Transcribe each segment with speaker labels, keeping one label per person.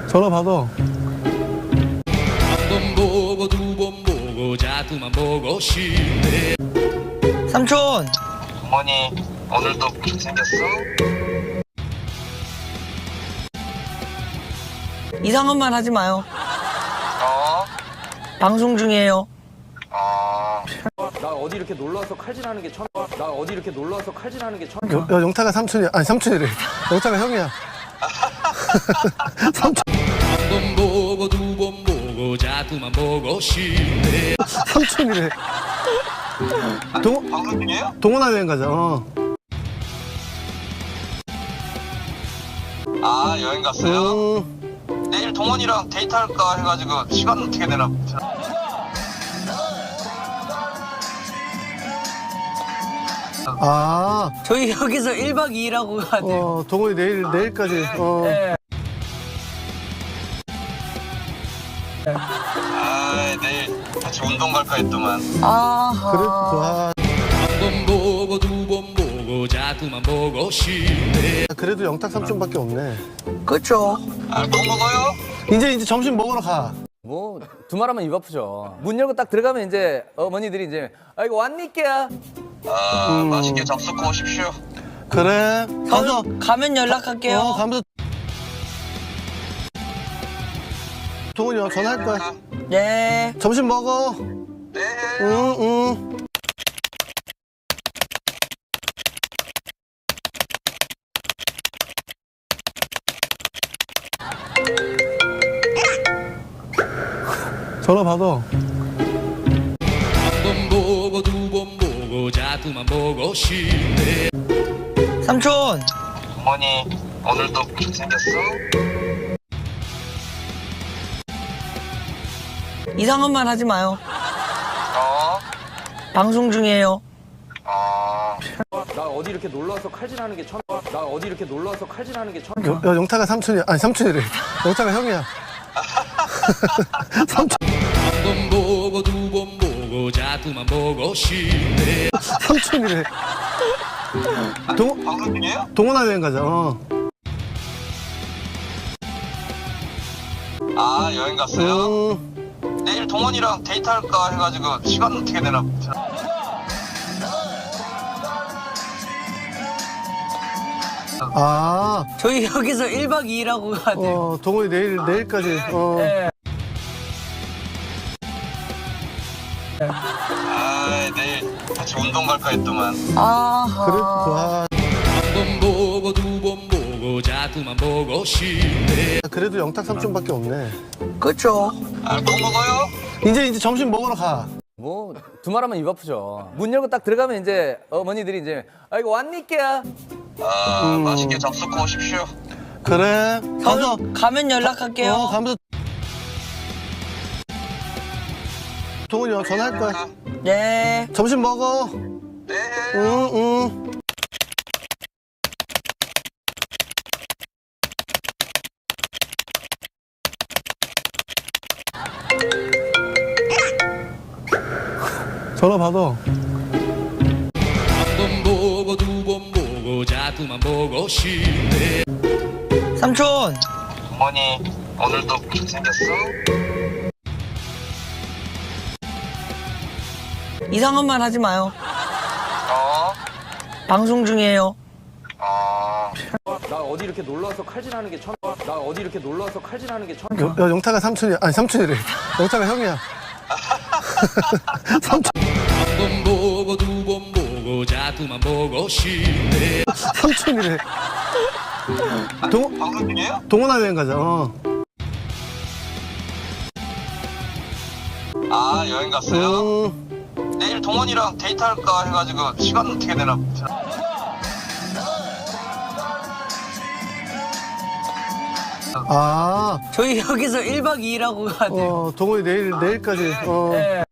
Speaker 1: 전화 받아.
Speaker 2: 한 번 보고 두 번 보고 자꾸만 보고 싶네.
Speaker 3: 삼촌,
Speaker 4: 어머니 오늘도 그렇게 생겼어?
Speaker 3: 이상한 말 하지 마요.
Speaker 4: 어?
Speaker 3: 방송 중이에요.
Speaker 5: 나 어디 이렇게 놀러 와서 칼질하는 게 처음. 나 어디 이렇게 놀러 와서 칼질하는 게 처음.
Speaker 1: 야, 영타가 삼촌이야. 아니, 삼촌이래. 영타가 형이야. 삼촌,
Speaker 2: 한 번 보고 두 번 보고 자꾸만 보고 싶네.
Speaker 1: 삼촌이래.
Speaker 4: 방송 중이에요?
Speaker 1: 동원아 여행 가자.
Speaker 4: 아 여행 갔어요? 내일 동원이랑 데이트할까 해가지고 시간 어떻게 되나.
Speaker 1: 아,
Speaker 3: 저희 여기서 1박 2일 하고 가야 돼요.
Speaker 1: 동원이 내일까지.
Speaker 3: 네.
Speaker 4: 아 내일 같이 운동 갈까 했더만.
Speaker 3: 아하.
Speaker 1: 그래도,
Speaker 2: 한 번 보고 두 번 보고 자꾸만 보고 싶네.
Speaker 1: 그래도 영탁 삼촌밖에 없네.
Speaker 3: 그쵸.
Speaker 4: 아 뭐 먹어요?
Speaker 1: 이제 점심 먹으러 가.
Speaker 5: 뭐 두말하면 입 아프죠. 문 열고 딱 들어가면 이제 어머니들이 이제 아이고 왔니께야.
Speaker 4: 맛있게 잡수고 오십시오.
Speaker 1: 그래. 가서.
Speaker 3: 가면 연락할게요.
Speaker 1: 가면서. 동원이 형 전화할 거야.
Speaker 3: 네.
Speaker 1: 점심 먹어.
Speaker 4: 네.
Speaker 1: 응. 전화 받아.
Speaker 2: 한 번 보고 두 번 보고 자꾸만 보고 싶네.
Speaker 3: 삼촌,
Speaker 4: 어머니 오늘도 그렇게 생겼어?
Speaker 3: 이상한 말 하지 마요.
Speaker 4: 어?
Speaker 3: 방송 중이에요.
Speaker 5: 나 어디 이렇게 놀러 와서 칼질하는 게 처음. 나 어디 이렇게 놀러 와서 칼질하는 게 처음.
Speaker 1: 야, 영타가 삼촌이야. 아니, 삼촌이래. 영타가 형이야. 삼촌,
Speaker 2: 한 번 보고 두 번 보고 자꾸만 보고 싶네.
Speaker 1: 삼촌이래.
Speaker 4: 방송 중이에요?
Speaker 1: 동원아 여행 가자.
Speaker 4: 아 여행 갔어요?
Speaker 1: 응.
Speaker 4: 내일 동원이랑 데이트할까 해가지고 시간 어떻게 되나.
Speaker 1: 아,
Speaker 3: 저희 여기서 1박 2일 하고 가야 돼요.
Speaker 1: 동원이 내일까지.
Speaker 3: 네.
Speaker 4: 아 내일 같이 운동 갈까 했더만.
Speaker 3: 아하.
Speaker 1: 그래도,
Speaker 2: 한 번 보고 두 번 보고 자꾸만 보고 싶네.
Speaker 1: 그래도 영탁 삼촌밖에 없네.
Speaker 3: 그쵸.
Speaker 4: 아 뭐 먹어요?
Speaker 1: 이제 점심 먹으러 가.
Speaker 5: 뭐 두말하면 입 아프죠. 문 열고 딱 들어가면 이제 어머니들이 이제 아이고 왔니께야.
Speaker 4: 맛있게 잡수고 오십시오.
Speaker 1: 그래. 가서.
Speaker 3: 가면 연락할게요.
Speaker 1: 가면서. 동원이 형 전화할 거야.
Speaker 3: 네.
Speaker 1: 점심 먹어.
Speaker 4: 네.
Speaker 1: 응. 전화 받아.
Speaker 2: 한 번 보고 두 번 보고 자꾸만 보고 싶네.
Speaker 3: 삼촌,
Speaker 4: 어머니 오늘도 그렇게 생겼어?
Speaker 3: 이상한 말 하지 마요.
Speaker 4: 어?
Speaker 3: 방송 중이에요.
Speaker 5: 나 어디 이렇게 놀러 와서 칼질하는 게 처음. 나 어디 이렇게 놀러 와서 칼질하는 게 처음.
Speaker 1: 야, 영타가 삼촌이야. 아니, 삼촌이래. 영타가 형이야. 삼촌,
Speaker 2: 한 번 보고 두 번 보고 자꾸만 보고 싶네.
Speaker 1: 삼촌이래.
Speaker 4: 방송 중이에요?
Speaker 1: 동원아 여행 가자.
Speaker 4: 아 여행 갔어요?
Speaker 1: 응.
Speaker 4: 내일 동원이랑 데이트할까 해가지고 시간 어떻게 되나.
Speaker 1: 아,
Speaker 3: 저희 여기서 1박 2일 하고 가야 돼요.
Speaker 1: 동원이 내일까지.
Speaker 3: 네.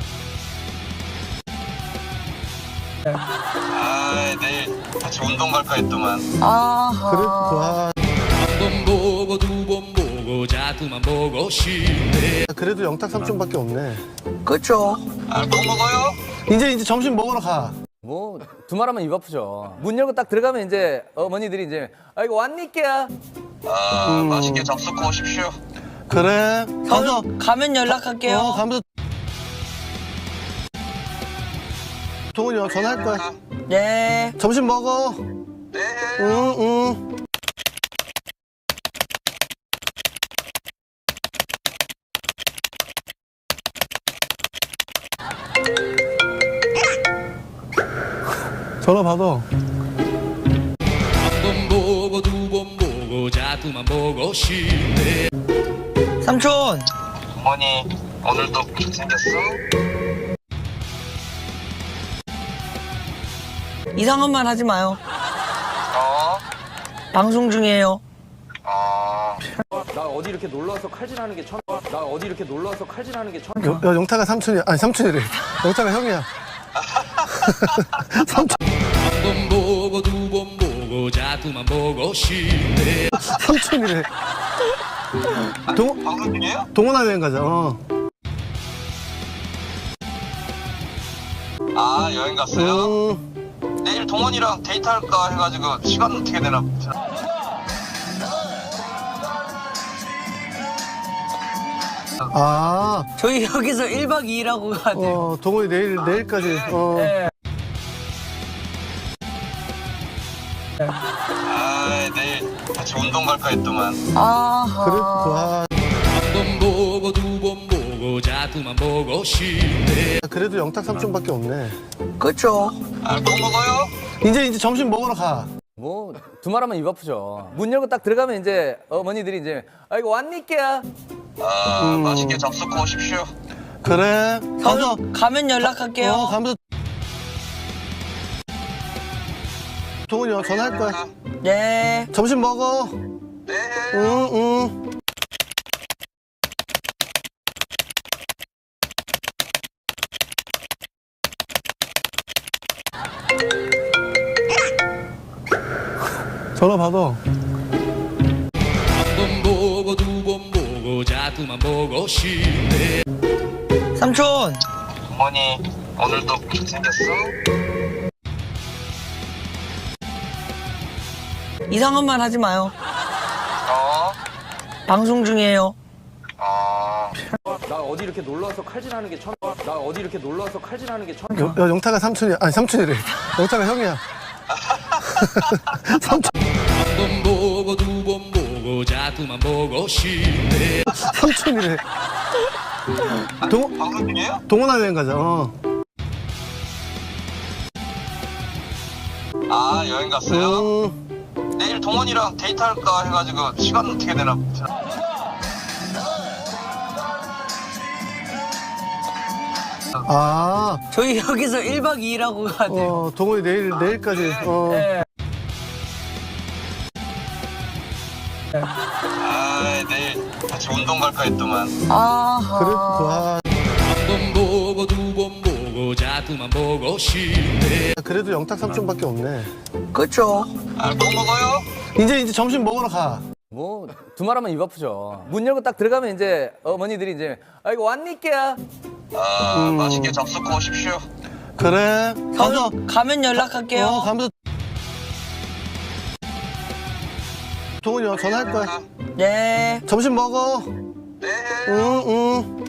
Speaker 4: 아 내일 같이 운동 갈까 했더만.
Speaker 3: 아하.
Speaker 1: 그래도,
Speaker 2: 한 번 보고 두 번 보고 자꾸만 보고 싶네.
Speaker 1: 그래도 영탁 삼촌밖에 없네.
Speaker 3: 그쵸.
Speaker 4: 아 뭐 먹어요?
Speaker 1: 이제 점심 먹으러 가.
Speaker 5: 뭐 두말하면 입 아프죠. 문 열고 딱 들어가면 이제 어머니들이 이제 아이고 왔니께야.
Speaker 4: 맛있게 잡수고 오십시오.
Speaker 1: 그래. 가서
Speaker 3: 가면 연락할게요.
Speaker 1: 가면서 동훈이 형 전화할 거야.
Speaker 3: 네.
Speaker 1: 점심 먹어.
Speaker 4: 네.
Speaker 1: 응. 전화 받아.
Speaker 2: 한 번 보고 두 번 보고 자꾸만 보고 싶네.
Speaker 3: 삼촌.
Speaker 4: 어머니 오늘도 생겼어?
Speaker 3: 이상한 말 하지 마요.
Speaker 4: 어?
Speaker 3: 방송 중이에요.
Speaker 5: 나 어디 이렇게 놀러와서 칼질하는 게 처음. 나 어디 이렇게 놀러와서 칼질하는 게 처음.
Speaker 1: 야, 영타가 삼촌이야. 아니, 삼촌이래. 영타가 형이야. 삼촌,
Speaker 2: 한 번 보고 두 번 보고 자꾸만 보고 싶네.
Speaker 1: 삼촌이래.
Speaker 4: 방송 중이에요?
Speaker 1: 동원아 여행 가자.
Speaker 4: 아 여행 갔어요?
Speaker 1: 음,
Speaker 4: 내일 동원이랑 데이트할까 해가지고 시간 어떻게 되나?
Speaker 1: 아,
Speaker 3: 저희 여기서 1박 2일 하고 가야 돼요.
Speaker 1: 동원이 내일까지.
Speaker 3: 네.
Speaker 4: 아 내일 같이 운동 갈까 했더만.
Speaker 1: 그래,
Speaker 3: 아하.
Speaker 2: 한 번 보고 두 번 보고 자꾸만 보고 싶네.
Speaker 1: 그래도 영탁 삼촌밖에 없네.
Speaker 3: 그쵸.
Speaker 4: 아 뭐 먹어요?
Speaker 1: 이제 점심 먹으러 가.
Speaker 5: 뭐 두말하면 입 아프죠. 문 열고 딱 들어가면 이제 어머니들이 이제 아이고 왔니께야.
Speaker 4: 맛있게 잡수고 오십시오.
Speaker 1: 그래. 가서
Speaker 3: 가면 연락할게요.
Speaker 1: 가면서 동훈이 형 전화할 거야.
Speaker 3: 네.
Speaker 1: 점심 먹어.
Speaker 4: 네.
Speaker 1: 응. 전화 받아.
Speaker 2: 한 번 보고 두 번 보고 자꾸만 보고 싶네.
Speaker 3: 삼촌.
Speaker 4: 어머니 오늘도 생겼어?
Speaker 3: 이상한 말 하지 마요.
Speaker 4: 어?
Speaker 3: 방송 중이에요.
Speaker 5: 나 어디 이렇게 놀러와서 칼질하는 게 처음. 나 어디 이렇게 놀러와서 칼질하는 게 처음.
Speaker 1: 야, 영타가 삼촌이야. 아니, 삼촌이래. 영타가 형이야. 삼촌,
Speaker 2: 한 번 보고 두 번 보고 자꾸만 보고 싶네.
Speaker 1: 삼촌이래.
Speaker 4: 방송 중이에요?
Speaker 1: 동원아 여행 가자.
Speaker 4: 아 여행 갔어요?
Speaker 1: 음,
Speaker 4: 내일 동원이랑 데이트할까 해가지고 시간 어떻게 되나?
Speaker 1: 아,
Speaker 3: 저희 여기서 1박 2일 하고 가야 돼요.
Speaker 1: 동원이 내일까지.
Speaker 3: 네.
Speaker 4: 아 내일 같이 운동 갈까 했더만.
Speaker 3: 아하.
Speaker 1: 그래, 와,
Speaker 2: 한 번 보고 두 번 보고 자꾸만 보고 싶네.
Speaker 1: 그래도 영탁 삼촌밖에 없네.
Speaker 3: 그쵸.
Speaker 4: 아 뭐 먹어요?
Speaker 1: 이제 점심 먹으러 가.
Speaker 5: 뭐 두말하면 입 아프죠. 문 열고 딱 들어가면 이제 어머니들이 이제 아이고 왔니께야.
Speaker 4: 맛있게 잡수고 오십시오.
Speaker 1: 그래. 가서
Speaker 3: 가면 연락할게요.
Speaker 1: 가면서 동훈이 형 전화할 거야.
Speaker 3: 네.
Speaker 1: 점심 먹어.
Speaker 4: 네.
Speaker 1: 응.